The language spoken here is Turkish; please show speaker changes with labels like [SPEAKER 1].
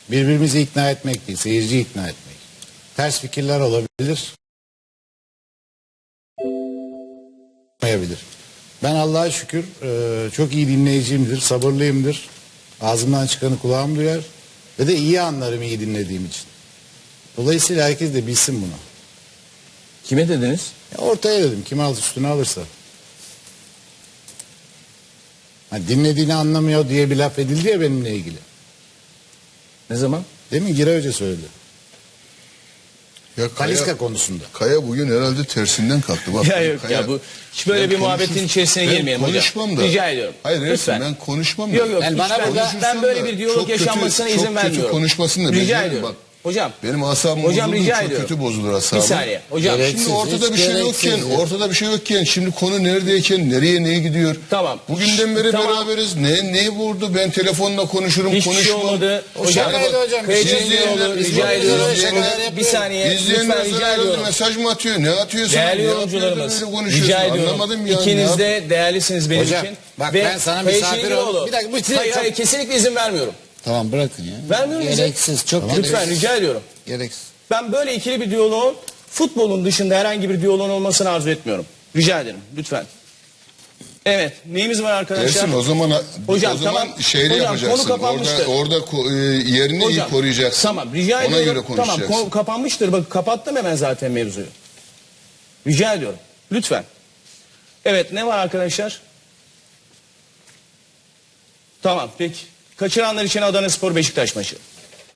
[SPEAKER 1] Birbirimizi ikna etmek değil, seyirciyi ikna etmek. Ters fikirler olabilir. Olmayabilir. Ben Allah'a şükür çok iyi dinleyiciyimdir, sabırlıyımdır. Ağzımdan çıkanı kulağım duyar. Ve de iyi anlarım iyi dinlediğim için. Dolayısıyla herkes de bilsin bunu.
[SPEAKER 2] Kime dediniz?
[SPEAKER 1] Ya ortaya dedim, kim üstüne alırsa. Ha, dinlediğini anlamıyor diye bir laf edildi ya benimle ilgili.
[SPEAKER 2] Ne zaman?
[SPEAKER 1] Demin Giray Hoca söyledi.
[SPEAKER 3] Ya
[SPEAKER 1] Talisca konusunda.
[SPEAKER 3] Kaya bugün herhalde tersinden kalktı. Bak,
[SPEAKER 2] Ya yok
[SPEAKER 3] Kaya,
[SPEAKER 2] ya bu hiç böyle bir muhabbetin içerisine girmeyelim hocam.
[SPEAKER 3] Konuşmam da.
[SPEAKER 2] Rica ediyorum.
[SPEAKER 3] Hayır
[SPEAKER 2] lütfen.
[SPEAKER 3] ben konuşmam da.
[SPEAKER 2] Yok yok
[SPEAKER 1] Yani bana
[SPEAKER 2] lütfen.
[SPEAKER 1] burada-
[SPEAKER 2] Ben böyle bir diyalog
[SPEAKER 3] çok kötü-
[SPEAKER 2] yaşanmasına izin
[SPEAKER 3] çok
[SPEAKER 2] vermiyorum.
[SPEAKER 3] kötü konuşmasını da
[SPEAKER 2] Rica
[SPEAKER 3] ben
[SPEAKER 2] ediyorum.
[SPEAKER 3] bak.
[SPEAKER 2] Hocam.
[SPEAKER 3] Benim asabım
[SPEAKER 2] Hocam
[SPEAKER 3] bozuldu,
[SPEAKER 2] rica
[SPEAKER 3] çok
[SPEAKER 2] ediyorum.
[SPEAKER 3] kötü bozulur
[SPEAKER 2] Bir
[SPEAKER 3] asabım.
[SPEAKER 2] saniye. Hocam.
[SPEAKER 1] Gereksiz.
[SPEAKER 3] Şimdi ortada
[SPEAKER 1] hiç
[SPEAKER 3] bir şey
[SPEAKER 1] gereksiz
[SPEAKER 3] yokken,
[SPEAKER 1] ya.
[SPEAKER 3] ortada bir şey yokken şimdi konu neredeyken nereye neye gidiyor?
[SPEAKER 2] Tamam.
[SPEAKER 3] Bugünden beri
[SPEAKER 2] Tamam.
[SPEAKER 3] beraberiz. Ne vurdu? Ben telefonla konuşurum,
[SPEAKER 2] Hiçbir şey
[SPEAKER 3] konuşmam.
[SPEAKER 2] olmadı.
[SPEAKER 1] O
[SPEAKER 2] Hocam.
[SPEAKER 1] şakaydı hocam.
[SPEAKER 2] Kayıtlı
[SPEAKER 3] İzleyenler-
[SPEAKER 2] oldu. Rica
[SPEAKER 3] izleyenler-
[SPEAKER 2] ediyorum.
[SPEAKER 3] izleyenler-
[SPEAKER 2] Bir saniye.
[SPEAKER 3] İzleyenler
[SPEAKER 2] Lütfen rica
[SPEAKER 3] sana herhalde
[SPEAKER 2] ediyorum.
[SPEAKER 3] mesaj mı atıyor? Ne atıyor sana?
[SPEAKER 2] Değerli
[SPEAKER 3] Ne
[SPEAKER 2] yorumcularımız,
[SPEAKER 3] yapıyor da böyle konuşuyorsun?
[SPEAKER 2] rica ediyorum.
[SPEAKER 3] Anlamadım ya.
[SPEAKER 2] İkiniz
[SPEAKER 3] Ne
[SPEAKER 2] de değerlisiniz benim
[SPEAKER 1] Hocam,
[SPEAKER 2] için.
[SPEAKER 1] bak
[SPEAKER 2] Ve
[SPEAKER 1] ben sana
[SPEAKER 2] Kayıt
[SPEAKER 1] misafir
[SPEAKER 2] Şenginoğlu-
[SPEAKER 1] oldum. Bir dakika, bu
[SPEAKER 2] Hayır,
[SPEAKER 1] çok-
[SPEAKER 2] hayır, kesinlikle izin vermiyorum.
[SPEAKER 1] Tamam bırakın ya.
[SPEAKER 2] Vermiyorum izin.
[SPEAKER 1] Gereksiz, çok
[SPEAKER 2] Lütfen
[SPEAKER 1] gereksiz.
[SPEAKER 2] rica ediyorum.
[SPEAKER 1] Gereksiz.
[SPEAKER 2] Ben böyle ikili bir diyaloğun futbolun dışında herhangi bir diyaloğun olmasını arzu etmiyorum. Rica ederim lütfen. Evet, neyimiz var arkadaşlar?
[SPEAKER 3] Ersin o zaman
[SPEAKER 2] Hocam,
[SPEAKER 3] o zaman
[SPEAKER 2] tamam.
[SPEAKER 3] şeyde
[SPEAKER 2] Hocam,
[SPEAKER 3] yapacaksın.
[SPEAKER 2] konu kapanmıştır.
[SPEAKER 3] Orada yerini iyi koruyacaksın.
[SPEAKER 2] Tamam, rica
[SPEAKER 3] Ona
[SPEAKER 2] ediyorum.
[SPEAKER 3] göre konuşacaksın.
[SPEAKER 2] Tamam, konu kapanmıştır. Bak kapattım hemen zaten mevzuyu. Rica ediyorum. Lütfen. Evet, ne var arkadaşlar? Tamam, peki. Kaçıranlar için Adanaspor Beşiktaş maçı.